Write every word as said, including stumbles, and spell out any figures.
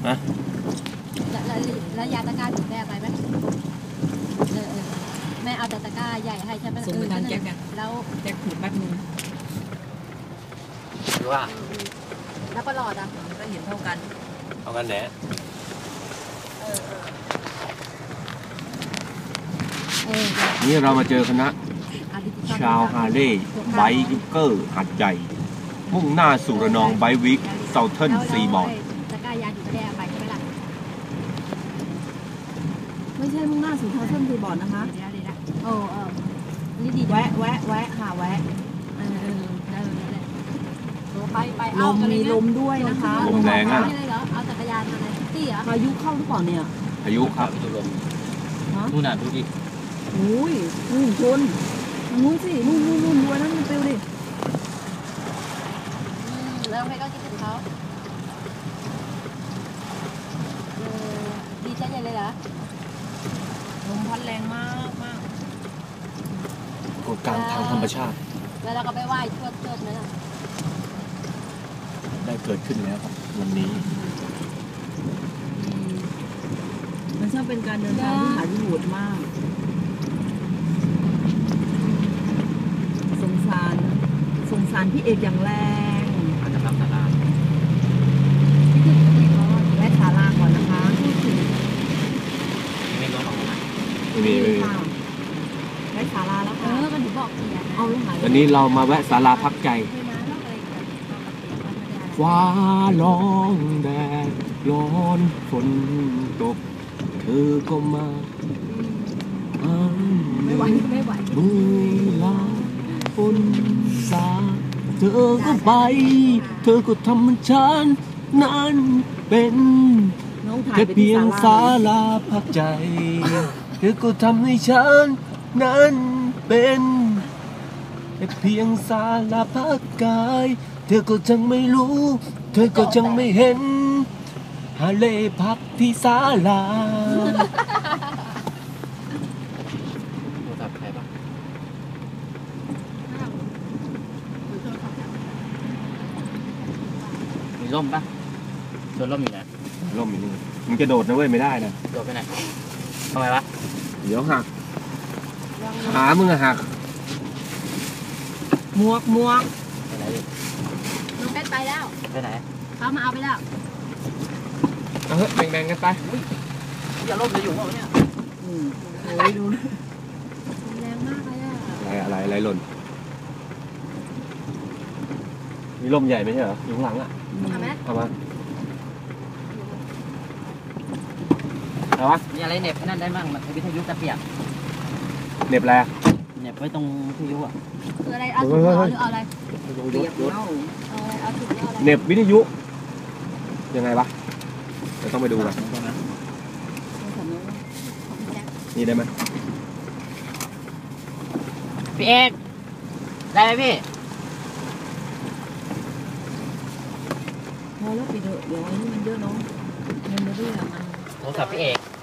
ฮะแล้วแล้วยาตะกร้าถึงแม่ไปไหมเออแม่เอาแต่ตะกร้าใหญ่ให้ใช่ไหมส่งไปทางแจ็คเนี่ยแล้วแจ็คถูกแป๊บนึงหรือว่าแล้วก็หลอดอ่ะก็เห็นเท่ากันเท่ากันแหละนี่เรามาเจอคณะชาวฮาร์เลย์ไบค์เกอร์หัดใหญ่มุ่งหน้าสู่ระนองไบค์วิกเซาเทิร์นซีบอร์ดตะกร้ายาอยู่แดงไปใช่ไหมล่ะไม่ใช่มุ่งหน้าสู่เซาเทิร์นซีบอร์ดนะคะเดี๋ยวดีละโอ้เออนี่ดีแวะแวะแวะค่ะแวะเออได้เลยไปไปลมมีลมด้วยนะคะลมแรงอ่ะเอาจักรยานมาเลยที่เหรอพายุเข้าหรือเปล่าเนี่ยพายุครับลมนู่นน่ะดูดิอุ้ยนู่นชนนู่นสินู่นนู่นนู่นด้วยนั่นมันเปลวดิแล้วใครก็คิดถึงเขาดีใจใหญ่เลยเหรอลมพัดแรงมากมากกฎการทางธรรมชาติแล้วเราก็ไปไหว้ชวดเชิดนั่นน่ะได้เกิดขึ้นแล้วครับวันนี้มันช่างเป็นการเดินทางที่หาที่โหดมากสงสารสงสารพี่เอกอย่างแรงอาจจะรับสาราแวะศาลาก่อนนะคะไม่ร้อนออกมาไม่มีไม่มีแวะศาลาแล้วค่ะเออมันถึงบอกเกียร์เอาวันนี้เรามาแวะศาลาพักใจฟ้าร้องแดดร้อนฝนตกเธอก็มาไม่ไหวไม่ไหวมือลาฝนสาเธอก็ไปเธอก็ทำมันฉันนั้นเป็นแค่เพียงศาลาพักใจเธอก็ทำให้ฉันนั้นเป็นแค่เพียงศาลาพักกายเธอก็จังไม่รู้เธอก็จังไม่เห็นฮาเล่พักที่ศาลาโทรศัพท์ใครปะมีร่มปะโดนร่มอยู่นะร่มอยู่นี่มึงจะโดดนะเว้ยไม่ได้นะโดดไปไหนทำไมวะเดี๋ยวหักขามึงอะหักหมวกหมวกไปไหนดิน้องเพชรไปแล้วไปไหนเขามาเอาไปแล้วเออแบ่งๆกันไปอย่าล่มจะอยู่วะเนี่ยอืมโอ้ยดูแรงมากเลยอะอะไรอะไรอะไรหล่นมีลมใหญ่ไหมใช่เหรออยู่ข้างหลังอ่ะเอาไหมเอามาเอาวะมีอะไรเน็บนั่นได้มั่งมันวิทยุจะเปียกเน็บอะไรเน็บไว้ตรงวิทยุอ่ะคืออะไรเอาถุงหรือเอาอะไรเปียกเล่าเอาถุงเอาอะไรเน็บวิทยุยังไงวะเราต้องไปดูกันนี่ได้ไหมพี่เอกได้ไหมพี่พอแล้วปิดเถอะเดี๋ยวอันนี้มันเยอะเนาะเงินไม่ได้อะมันโทรศัพท์พี่เอก